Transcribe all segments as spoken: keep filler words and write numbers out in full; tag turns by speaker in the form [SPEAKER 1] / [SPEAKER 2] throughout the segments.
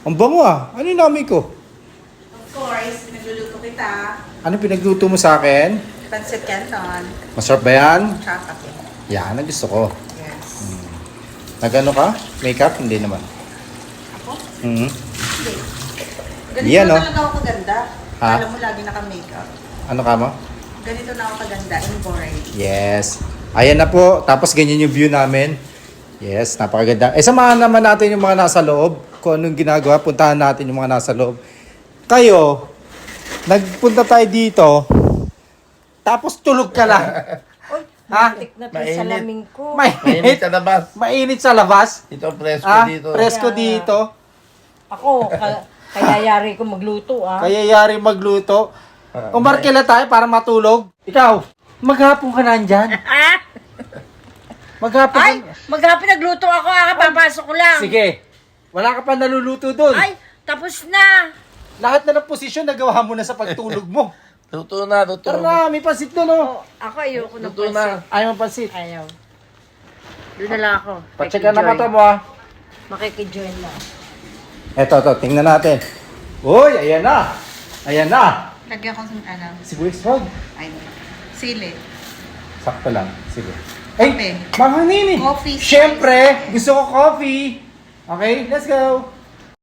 [SPEAKER 1] Ang bango ah. Ano yung namin ko?
[SPEAKER 2] Of course, nagluluto kita.
[SPEAKER 1] Ano pinagluto mo sa akin?
[SPEAKER 2] Pancit Canton.
[SPEAKER 1] Masarap ba yan?
[SPEAKER 2] Tsaka kape.
[SPEAKER 1] Yan, ang gusto ko.
[SPEAKER 2] Yes.
[SPEAKER 1] Nagano ka? Makeup? Hindi naman.
[SPEAKER 2] Ako?
[SPEAKER 1] Mhm.
[SPEAKER 2] Hindi. Ganito
[SPEAKER 1] Yan,
[SPEAKER 2] na
[SPEAKER 1] no?
[SPEAKER 2] talaga ako kaganda.
[SPEAKER 1] Ha?
[SPEAKER 2] Alam mo, lagi naka-makeup.
[SPEAKER 1] Ano ka mo?
[SPEAKER 2] Ganito na ako kaganda in boring.
[SPEAKER 1] Yes. Ayan na po. Tapos ganyan yung view namin. Yes, napakaganda. Eh, samahan naman natin yung mga nasa loob. Kung anong ginagawa, puntahan natin yung mga nasa loob. Kayo, nagpunta tayo dito, tapos tulog ka lang.
[SPEAKER 3] Uy,
[SPEAKER 1] Ha?
[SPEAKER 3] matik na to
[SPEAKER 4] Mainit.
[SPEAKER 3] sa lamin ko.
[SPEAKER 4] Mainit
[SPEAKER 1] Mainit.
[SPEAKER 4] sa labas.
[SPEAKER 1] Mainit sa labas.
[SPEAKER 4] Ito presko
[SPEAKER 1] Ah,
[SPEAKER 4] dito.
[SPEAKER 1] presko
[SPEAKER 3] Kaya-
[SPEAKER 1] dito.
[SPEAKER 3] Ako, ka- kaya yari ko magluto ah.
[SPEAKER 1] Kaya yari magluto.
[SPEAKER 4] Ah,
[SPEAKER 1] Umarkila tayo para matulog. Ikaw, maghapon ka nandyan. Maghapon
[SPEAKER 3] Ay,
[SPEAKER 1] ka.
[SPEAKER 3] maghapon nagluto ako ah, papasok ko lang.
[SPEAKER 1] Sige. Wala ka pa naluluto doon.
[SPEAKER 3] Ay, tapos na.
[SPEAKER 1] Lahat na ng posisyon nagawa mo na sa pagtulog mo.
[SPEAKER 4] Luto na, luto.
[SPEAKER 1] Tara na, may pansit doon oh.
[SPEAKER 3] Oh, ako ayoko ng
[SPEAKER 4] Luto na.
[SPEAKER 3] pansit.
[SPEAKER 1] Ayaw ang pansit.
[SPEAKER 3] Ayaw. Doon na lang ako.
[SPEAKER 1] Pacheck na mata
[SPEAKER 3] Makikijoin.
[SPEAKER 1] mo ah.
[SPEAKER 3] Makikijoin lang.
[SPEAKER 1] Eto, eto, tingnan natin. Uy, ayan na. Ayan na.
[SPEAKER 2] Lagyan ko ng ano,
[SPEAKER 1] Sibuyas wag.
[SPEAKER 2] ay, sili.
[SPEAKER 1] Sakto lang. Sige. Ay,
[SPEAKER 2] Kape.
[SPEAKER 1] mahaninin.
[SPEAKER 2] Coffee.
[SPEAKER 1] Siyempre, gusto ko coffee. Okay, let's go.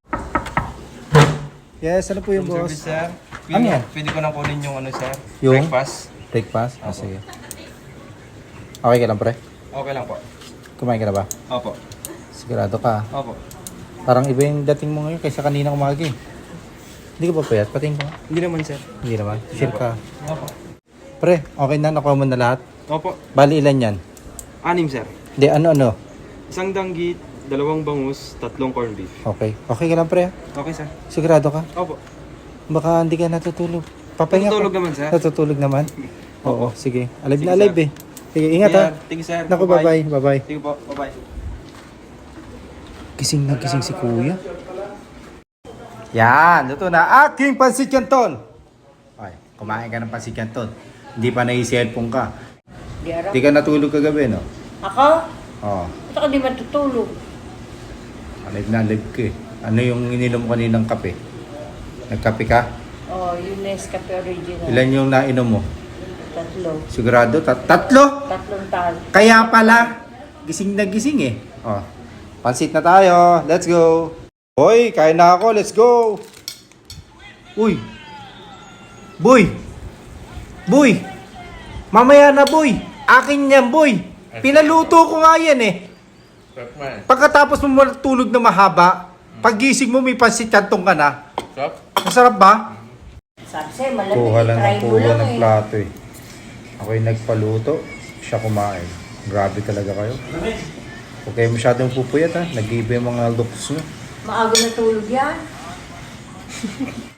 [SPEAKER 1] Yes, ano po yung
[SPEAKER 5] Room
[SPEAKER 1] boss?
[SPEAKER 5] service, sir. Pwede,
[SPEAKER 1] Ano yan?
[SPEAKER 5] Pwede ko na kunin yung ano, sir.
[SPEAKER 1] Yung?
[SPEAKER 5] Breakfast.
[SPEAKER 1] Breakfast? Ah, sige. Okay ka lang, pre?
[SPEAKER 5] Okay lang po.
[SPEAKER 1] Kumain ka na ba?
[SPEAKER 5] Opo.
[SPEAKER 1] Sigurado ka.
[SPEAKER 5] Opo.
[SPEAKER 1] Parang iba yung dating mo ngayon kaysa kanina umaga eh. Hindi ka ba payat? Patingin ka nga.
[SPEAKER 5] Hindi naman, sir.
[SPEAKER 1] Hindi naman. Sure ka.
[SPEAKER 5] Opo.
[SPEAKER 1] Pre, okay na? Nakuha mo na lahat?
[SPEAKER 5] Opo.
[SPEAKER 1] Bali ilan yan?
[SPEAKER 5] Anim, sir.
[SPEAKER 1] Hindi, ano-ano?
[SPEAKER 5] Isang danggit, dalawang bangus, tatlong corned beef.
[SPEAKER 1] Okay. Okay ka lang, pre?
[SPEAKER 5] Okay, sir.
[SPEAKER 1] Sigurado ka?
[SPEAKER 5] Opo.
[SPEAKER 1] Baka hindi ka natutulog. Papahinga
[SPEAKER 5] Natutulog
[SPEAKER 1] ka.
[SPEAKER 5] naman, sir.
[SPEAKER 1] Natutulog naman? Oo, sige. Alive
[SPEAKER 5] Sige,
[SPEAKER 1] na alive eh. Sige, ingat ha.
[SPEAKER 5] Thank you, sir.
[SPEAKER 1] Naku, bye-bye. Bye-bye.
[SPEAKER 5] Sige po. Bye-bye.
[SPEAKER 1] Gising na gising si kuya. Yan, luto na aking pansit canton. Okay, kumain ka ng pansit canton. Hindi pa nai-cellphone ka.
[SPEAKER 3] Di araw.
[SPEAKER 1] Hindi ka natulog kagabi, no?
[SPEAKER 3] Ako?
[SPEAKER 1] Oo.
[SPEAKER 3] Ba't ako di matutulog?
[SPEAKER 1] Alive na alive ka eh. Ano yung ininom mo kaninang kape? Nagkape ka?
[SPEAKER 3] Oh, yung Nescafe original.
[SPEAKER 1] Ilan yung nainom mo?
[SPEAKER 3] Tatlo.
[SPEAKER 1] Sigurado? Tat tatlo?
[SPEAKER 3] Tatlong tal.
[SPEAKER 1] Kaya pala, gising na gising eh. Oh. Pansit na tayo. Let's go. Hoy, kain na ako. Let's go. Uy. Boy. Boy. Mamaya na, boy. Akin yan, boy. Pinaluto ko nga yan eh. Pagkatapos mo matulog na mahaba, paggising mo may pansit kantong ka na. Masarap ba?
[SPEAKER 3] Sabi sa'yo, malamig.
[SPEAKER 1] Kuha lang
[SPEAKER 3] Try
[SPEAKER 1] ng
[SPEAKER 3] mo
[SPEAKER 1] kuha
[SPEAKER 3] lang
[SPEAKER 1] ng
[SPEAKER 3] eh.
[SPEAKER 1] plato eh. Ako'y nagpaluto, siya kumain. Grabe talaga kayo. Huwag kayo masyadong pupuyat ha. Nag-iiba yung mga looks nyo.
[SPEAKER 3] Maaga na tulog yan.